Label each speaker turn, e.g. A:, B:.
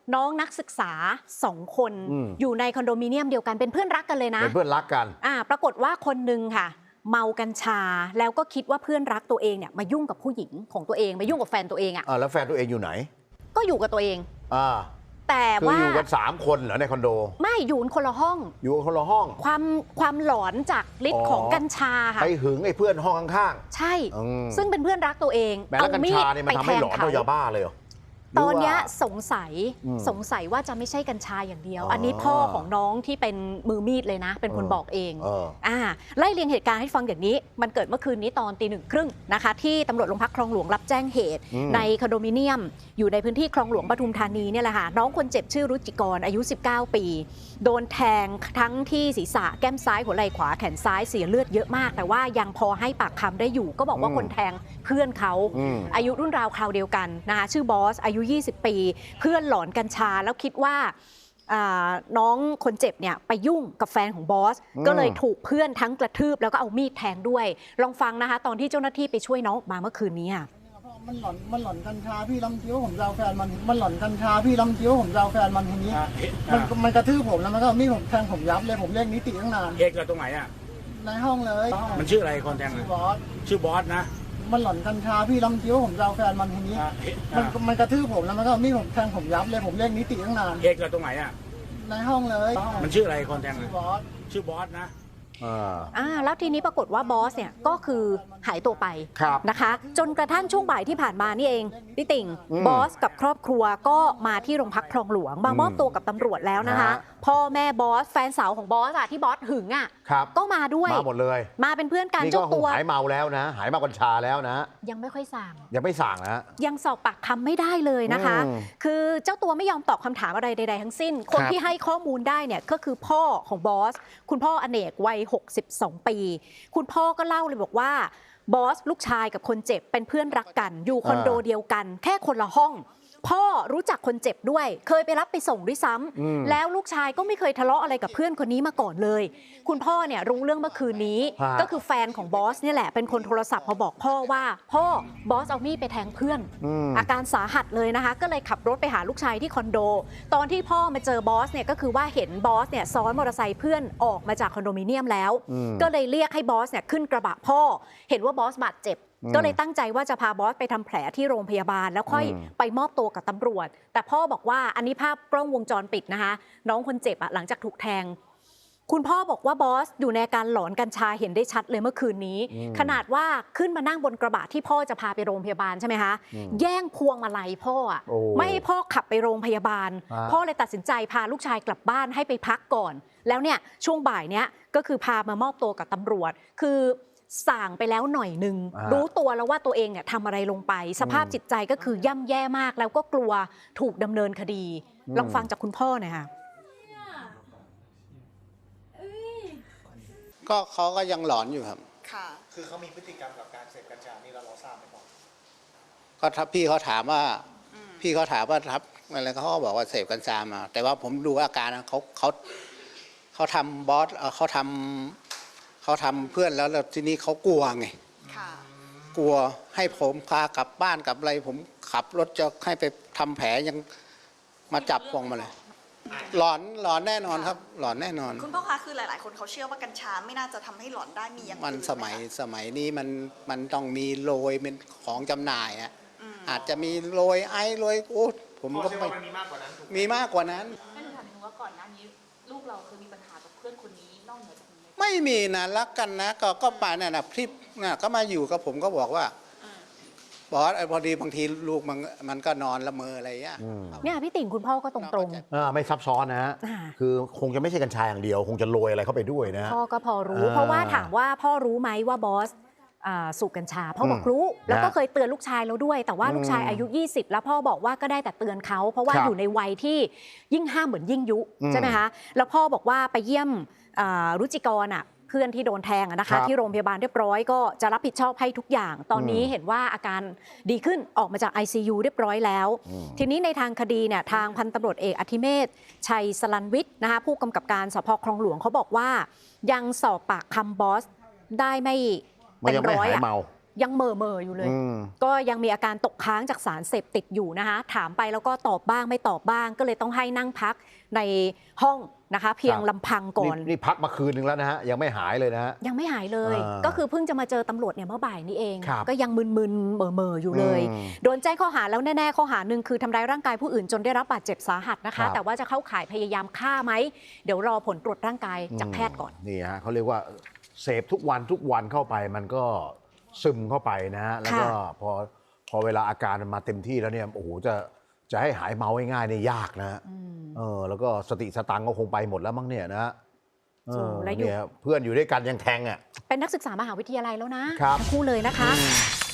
A: น้องนักศึกษา2 คนอยู่ในคอนโดมิเนียมเดียวกันเป็นเพื่อนรักกันเลยนะ
B: เป็นเพื่อนรักกัน
A: ปรากฏว่าคนนึงค่ะเมากัญชาแล้วก็คิดว่าเพื่อนรักตัวเองเนี่ยมายุ่งกับผู้หญิงของตัวเองมายุ่งกับแฟนตัวเอง
B: แล้วแฟนตัวเองอยู่ไหน
A: ก็อยู่กับตัวเองแต่ว่า
B: อยู่กัน3 คนเหรอในคอนโด
A: ไม่อยู่คนละห้อง
B: อยู่คนละห้อง
A: ความหลอนจากฤทธิ์ของกัญชาค่ะ
B: ไปหึงไอ้เพื่อนห้องข้าง
A: ๆใช่ซึ่งเป็นเพื่อนรักตัวเอง
B: เอามีดไปแทงเขายาบ้าเลย
A: ตอนนี้สงสัยว่าจะไม่ใช่กัญชาอย่างเดียวอันนี้พ่อของน้องที่เป็นมือมีดเลยนะเป็นคนบอกเองไล่เรียงเหตุการณ์ให้ฟังอย่างนี้มันเกิดเมื่อคืนนี้ตอนตี 1:30นะคะที่ตำรวจโรงพักคลองหลวงรับแจ้งเหตุในคอนโดมิเนียมอยู่ในพื้นที่คลองหลวงปทุมธานีเนี่ยแหละค่ะน้องคนเจ็บชื่อรุจิกรอายุ19 ปีโดนแทงทั้งที่ศีรษะแก้มซ้ายหัวไหล่ขวาแขนซ้ายเสียเลือดเยอะมากแต่ว่ายังพอให้ปากคำได้อยู่ก็บอกว่าคนแทงเพื่อนเขาอายุรุ่นราวคราวเดียวกันนะคะชื่อบอสอายุ20 ปีเพื่อนหลอนกัญชาแล้วคิดว่าน้องคนเจ็บเนี่ยไปยุ่งกับแฟนของบอสก็เลยถูกเพื่อนทั้งกระทืบแล้วก็เอามีดแทงด้วยลองฟังนะคะตอนที่เจ้าหน้าที่ไปช่วยน้องออกมาเมื่อคืนนี้
C: มันหลอนกัญชาพี่ลำคิ้วผมจะเอาแฟนมันหลอนกัญชาพี่ลำคิ้วผมจะเอาแฟนมันทีนี้มันกระทืบผมแล้วมันก็มีดผมแทงผมยับเลยผมเรียกนิติตั้งนาน
D: เอกเราตรงไหน
C: ในห้องเลย
D: มันชื่ออะไรคนแทงชื่อบอสนะ
C: มันหลอนกัญชาพี่ลำคิ้วผมจะเอาแฟนมันทีนี้มันกระทืบผมแล้วมันก็มีดผมแทงผมยับเลยผมเรียกนิติตั้งนาน
D: เอกเราตรงไหน
C: ในห้องเลย
D: มันชื่ออะไรคนแทงชื่อบอสนะ
A: แล้วทีนี้ปรากฏว่าบอสเนี่ยก็คือหายตัวไปนะคะจนกระทั่งช่วงบ่ายที่ผ่านมานี่เองพี่ติ่งบอสกับครอบครัวก็มาที่โรงพักคลองหลวงมามอบตัวกับตำรวจแล้วนะคะพ่อแม่บอสแฟนสาวของบอสที่บอสหึงก็มาด้วย
B: มาหมดเลย
A: มาเป็นเพื่อนกันเจ้าตัว
B: หายเมาแล้วนะหายเมากัญชาแล้วนะ
A: ยังไม่ค่อยสั่ง
B: นะ
A: ยังสอบปากคำไม่ได้เลยนะคะคือเจ้าตัวไม่ยอมตอบคำถามอะไรใดๆทั้งสิ้นคนที่ให้ข้อมูลได้เนี่ยก็คือพ่อของบอสคุณพ่ออเนกวัย62 ปีคุณพ่อก็เล่าเลยบอกว่าบอสลูกชายกับคนเจ็บเป็นเพื่อนรักกันอยู่คอนโดเดียวกันแค่คนละห้องพ่อรู้จักคนเจ็บด้วยเคยไปรับไปส่งด้วยซ้ำแล้วลูกชายก็ไม่เคยทะเลาะอะไรกับเพื่อนคนนี้มาก่อนเลยคุณพ่อเนี่ยรู้เรื่องเมื่อคืนนี้ก็คือแฟนของบอสเนี่ยแหละเป็นคนโทรศัพท์มาบอกพ่อว่าพ่อบอสเอามีดไปแทงเพื่อนอาการสาหัสเลยนะคะก็เลยขับรถไปหาลูกชายที่คอนโดตอนที่พ่อมาเจอบอสเนี่ยก็คือว่าเห็นบอสเนี่ยซ้อนมอเตอร์ไซค์เพื่อนออกมาจากคอนโดมิเนียมแล้วก็เลยเรียกให้บอสเนี่ยขึ้นกระบะพ่อเห็นว่าบอสบาดเจ็บก็เลยตั้งใจว่าจะพาบอสไปทำแผลที่โรงพยาบาลแล้วค่อยไปมอบตัวกับตำรวจแต่พ่อบอกว่าอันนี้ภาพกล้องวงจรปิดนะคะน้องคนเจ็บหลังจากถูกแทงคุณพ่อบอกว่าบอสอยู่ในอาการหลอนกัญชาเห็นได้ชัดเลยเมื่อคืนนี้ขนาดว่าขึ้นมานั่งบนกระบะที่พ่อจะพาไปโรงพยาบาลใช่ไหมคะแย่งพวงมาลัยพ่อไม่ให้พ่อขับไปโรงพยาบาลพ่อเลยตัดสินใจพาลูกชายกลับบ้านให้ไปพักก่อนแล้วเนี่ยช่วงบ่ายเนี้ยก็คือพามามอบตัวกับตำรวจคือส่างไปแล้วหน่อยนึงรู้ตัวแล้วว่าตัวเองเนี่ยทำอะไรลงไปสภาพจิตใจก็คือย่ำแย่มากแล้วก็กลัวถูกดำเนินคดีลองฟังจากคุณพ่อหน่อยค่ะ
E: ก็เขาก็ยังหลอนอยู่ครับ
F: ค่ะ
D: คือเขามีพฤติกรรมกับการเสพกัญชานี่เราทราบไหมครับ
E: ก็ถ้าพี่เขาถามว่าทับอะไรเขาบอกว่าเสพกัญชามาแต่ว่าผมดูอาการเขาทำบอสเขาทำเพื่อนแล้วทีนี้เขากลัวไงกลัวให้ผมพากลับบ้านกลับอะไรผมขับรถจะให้ไปทำแผลยังมาจับพวงมาเลยหลอนแน่นอนครับหลอนแน่นอน
F: คุณพ่อคะคือหลายๆคนเขาเชื่อว่ากัญชาไม่น่าจะทำให้หลอนได้มีอย่าง
E: มันสมัยนี้มันต้องมีโรยเป็นของจำหน่ายอาจจะมีโรยไอซ์โรยโอ้ผมก็ไม่
D: มีมากกว่านั้น
E: มีมากกว่านั้น
G: ให้หนูถามนิดนึงว่าก่อนหน้านี้ลูกเราเคยมีปัญหากับเพื่อนคนนี้นอกเหนือจากนี้
E: ไม่มีนะรักกันนะก็ป่าเนี่ยนะพี่น่ะก็มาอยู่กับผมก็บอกว่าบอสพอดีบางทีลูกมันก็นอนละเมออะไรเงี้ย
A: เนี่ยพี่ติ่งคุณพ่อก็ตรง
B: ไม่ซับซ้อนนะฮะคือคงจะไม่ใช่กัญชาอย่างเดียวคงจะโรยอะไรเข้าไปด้วยนะ
A: พ่อก็พอรู้เพราะว่าถามว่าพ่อรู้ไหมว่าบอสสูบกัญชาพ่อบอกรู้แล้วก็เคยเตือนลูกชายแล้วด้วยแต่ว่าลูกชายอายุ20แล้วพ่อบอกว่าก็ได้แต่เตือนเขาเพราะว่าอยู่ในวัยที่ยิ่งห้ามเหมือนยิ่งยุใช่ไหมคะแล้วพ่อบอกว่าไปเยี่ยมรุจิกรเพื่อนที่โดนแทงนะคะที่โรงพยาบาลเรียบร้อยก็จะรับผิดชอบให้ทุกอย่างตอนนี้เห็นว่าอาการดีขึ้นออกมาจาก ICU เรียบร้อยแล้วทีนี้ในทางคดีเนี่ยทางพันตำรวจเอกอธิเมศชัยสลันวิทย์นะคะผู้กำกับการสภ.คลองหลวงเขาบอกว่ายังสอบปากคำบอสได้ไม่เต็มร้อยยังเหม่ออยู่เลย ก็ยังมีอาการตกค้างจากสารเสพติดอยู่นะคะถามไปแล้วก็ตอบบ้างไม่ตอบบ้างก็เลยต้องให้นั่งพักในห้องนะคะเพียงลำพังก่อน
B: นี่พักมาคืนนึงแล้วนะฮะยังไม่หายเลยนะฮะ
A: ยังไม่หายเลย ก็คือเพิ่งจะมาเจอตำรวจเนี่ยเมื่อบ่ายนี้เอง
B: ครับ
A: ก็ยังมึนๆเหม่ออยู่เลย โดนแจ้งข้อหาแล้วแน่ๆข้อหาหนึ่งคือทำร้ายร่างกายผู้อื่นจนได้รับบาดเจ็บสาหัสนะคะ แต่ว่าจะเข้าข่ายพยายามฆ่าไหมเดี๋ยวรอผลตรวจร่างกายจากแพทย์ก่อน
B: นี่ฮะเขาเรียกว่าเสพทุกวันเข้าไปมันก็ซึมเข้าไปนะฮะแล้วก็พอเวลาอาการมันมาเต็มที่แล้วเนี่ยโอ้โหจะให้หายเมาง่ายๆเนี่ยยากนะฮะแล้วก็สติสตังค์ก็คงไปหมดแล้วมั้งเนี่ยนะฮะ
A: และอยู่
B: เนี่ยเพื่อนอยู่ด้วยกันยังแทงอ่ะ
A: เป็นนักศึกษามหาวิทยาลัยแล้วนะทั้งคู่เลยนะคะ